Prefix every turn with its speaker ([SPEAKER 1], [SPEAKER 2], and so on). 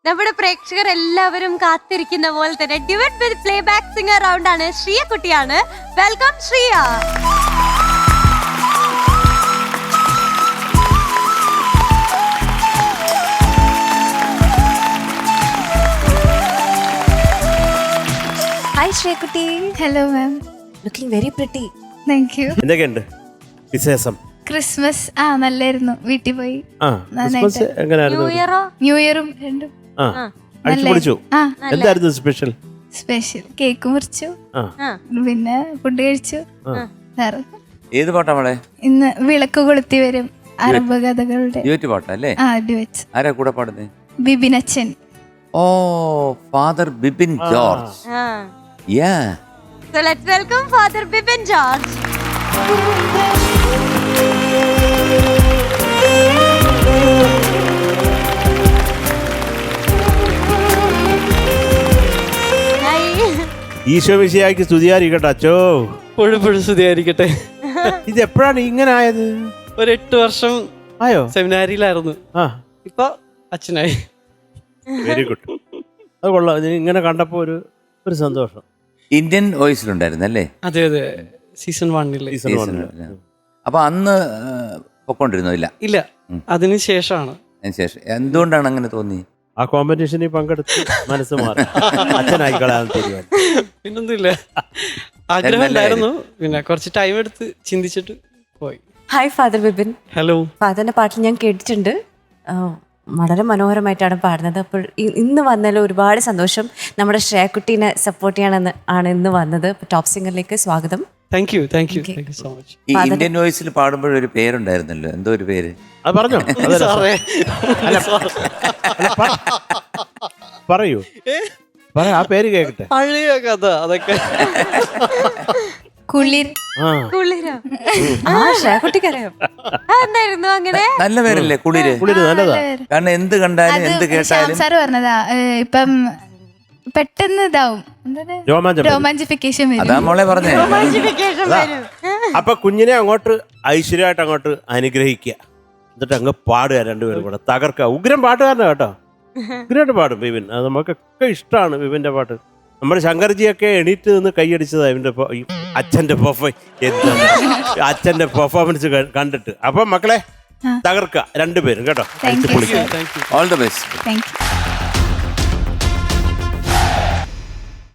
[SPEAKER 1] നമ്മുടെ പ്രേക്ഷകർ എല്ലാവരും കാത്തിരിക്കുന്ന പോലെ തന്നെ duet with playback singer round ആണ്. ശ്രീയ കുട്ടിയാണ്. Welcome Shreya.
[SPEAKER 2] Hi Sreekutty.
[SPEAKER 3] Hello ma'am.
[SPEAKER 2] Looking very pretty.
[SPEAKER 3] Thank you.
[SPEAKER 4] എന്തൊക്കെയുണ്ട് വിശേഷം?
[SPEAKER 3] ക്രിസ്മസ് നല്ലായിരുന്നു. വീട്ടിൽ പോയി.
[SPEAKER 4] ക്രിസ്മസ് എങ്ങനെയായിരുന്നു?
[SPEAKER 1] ന്യൂ ഇയറോ?
[SPEAKER 3] ന്യൂ ഇയറും രണ്ടും
[SPEAKER 4] അടിച്ചു പൊളിച്ചു. എന്തായിരുന്നു സ്പെഷ്യൽ?
[SPEAKER 3] സ്പെഷ്യൽ കേക്ക് മുറിച്ചു, പിന്നെ ഫുഡ് കഴിച്ചു. വേറെ
[SPEAKER 5] ഏത് പാട്ടാ മോളെ?
[SPEAKER 3] ഇന്ന് വിളക്ക് കൊളുത്തി വരും അറബ് കഥകളുടെ
[SPEAKER 5] ഡ്യുവറ്റ് പാട്ടല്ലേ?
[SPEAKER 3] ഡ്യുവറ്റ്സ്.
[SPEAKER 5] ആരാ കൂടെ പാടുന്നേ?
[SPEAKER 3] ബിബിനച്ചൻ.
[SPEAKER 5] ഓ, father Bipin George. Yeah.
[SPEAKER 1] So let's welcome Father Bipin George.
[SPEAKER 4] Eesho മിശിഹായ്ക്ക് സ്തുതിയായിരിക്കട്ടെ അച്ചോ.
[SPEAKER 6] എപ്പോഴും സ്തുതിയായിരിക്കട്ടെ.
[SPEAKER 4] ഇത് എപ്പോഴാണ് ഇങ്ങനെ ആയത്?
[SPEAKER 6] ഒരു 8 വർഷം
[SPEAKER 4] ആയോ?
[SPEAKER 6] സെമിനാരിയിലായിരുന്നു. ഇപ്പൊ അച്ഛനായി.
[SPEAKER 4] Very good. അത് കൊള്ളാം. ഇത് ഇങ്ങനെ കണ്ടപ്പോ ഒരു സന്തോഷം.
[SPEAKER 5] ഇന്ത്യൻ വോയിസിലുണ്ടായിരുന്നല്ലേ?
[SPEAKER 6] അതെ അതെ, സീസൺ 1
[SPEAKER 5] അപ്പൊ അന്ന് പൊക്കോണ്ടിരുന്നോ?
[SPEAKER 6] ഇല്ല, അതിന് ശേഷമാണ്.
[SPEAKER 5] അതിനുശേഷം എന്തുകൊണ്ടാണ് അങ്ങനെ തോന്നി?
[SPEAKER 4] ആ കോമ്പറ്റീഷനിൽ പങ്കെടുത്ത് മനസ്സ് മാറി അച്ഛനായിക്കളാൻ തീരുമാനം.
[SPEAKER 6] പിന്നൊന്നുമില്ല, ആഗ്രഹം ഉണ്ടായിരുന്നു. പിന്നെ കുറച്ച് ടൈം എടുത്ത് ചിന്തിച്ചിട്ട് പോയി.
[SPEAKER 2] Hi father Bibin.
[SPEAKER 6] ഹലോ.
[SPEAKER 2] ഫാദറിന്റെ പാട്ട് ഞാൻ കേട്ടിട്ടുണ്ട്. വളരെ മനോഹരമായിട്ടാണ് പാടുന്നത്. അപ്പോൾ ഇന്ന് വന്നതിൽ ഒരുപാട് സന്തോഷം. നമ്മുടെ ശ്രേയക്കുട്ടീനെ സപ്പോർട്ട് ചെയ്യാനാണ് ഇന്ന് വന്നത്. ടോപ്പ് സിംഗറിലേക്ക് സ്വാഗതം.
[SPEAKER 6] Thank you so much.
[SPEAKER 5] ഈ ഇന്ത്യൻ വോയിസിൽ പാടുമ്പോഴൊരു പേരുണ്ടായിരുന്നല്ലോ, എന്തോ ഒരു പേര്
[SPEAKER 4] അത് പറഞ്ഞോ? പറയൂ, ആ പേര് കേക്കട്ടെ.
[SPEAKER 6] പഴയ കഥ അതൊക്കെ.
[SPEAKER 3] കുളിർ.
[SPEAKER 1] കുളിരോ?
[SPEAKER 2] ശ്രേയക്കുട്ടിക്കറിയാം.
[SPEAKER 1] എന്തായിരുന്നു അങ്ങനെ?
[SPEAKER 5] നല്ല പേരല്ലേ കുളിര്?
[SPEAKER 4] കുളിര് നല്ലതാ.
[SPEAKER 5] കാരണം എന്ത് കണ്ടാലും എന്ത് കേട്ടാലും.
[SPEAKER 3] സാറ് പറഞ്ഞതാ, ഇപ്പം പെട്ടെന്ന് ഇതാവും, റൊമാൻസിഫിക്കേഷൻ
[SPEAKER 5] അതാ മോളെ പറഞ്ഞേ.
[SPEAKER 1] Romantification വരും.
[SPEAKER 4] അപ്പൊ കുഞ്ഞിനെ അങ്ങോട്ട് ഐശ്വര്യമായിട്ട് അങ്ങോട്ട് അനുഗ്രഹിക്കുക, എന്നിട്ട് അങ്ങ് പാടുക. രണ്ടുപേരും കൂടെ തകർക്കുക. ഉഗ്രം പാട്ടുകാരനാ കേട്ടോ, ഉഗ്രമായിട്ട് പാടും ബിബിൻ. അത് നമുക്കൊക്കെ ഇഷ്ടമാണ് ബിബിന്റെ പാട്ട്. നമ്മുടെ ശങ്കർജിയൊക്കെ എണീറ്റ് നിന്ന് കൈയടിച്ചതാ ഇവന്റെ അച്ഛന്റെ അച്ഛന്റെ പെർഫോമൻസ് കണ്ടിട്ട്. അപ്പൊ മക്കളെ തകർക്കുക രണ്ടുപേരും കേട്ടോ.
[SPEAKER 3] Thank you.
[SPEAKER 5] All the best.
[SPEAKER 3] Thank U.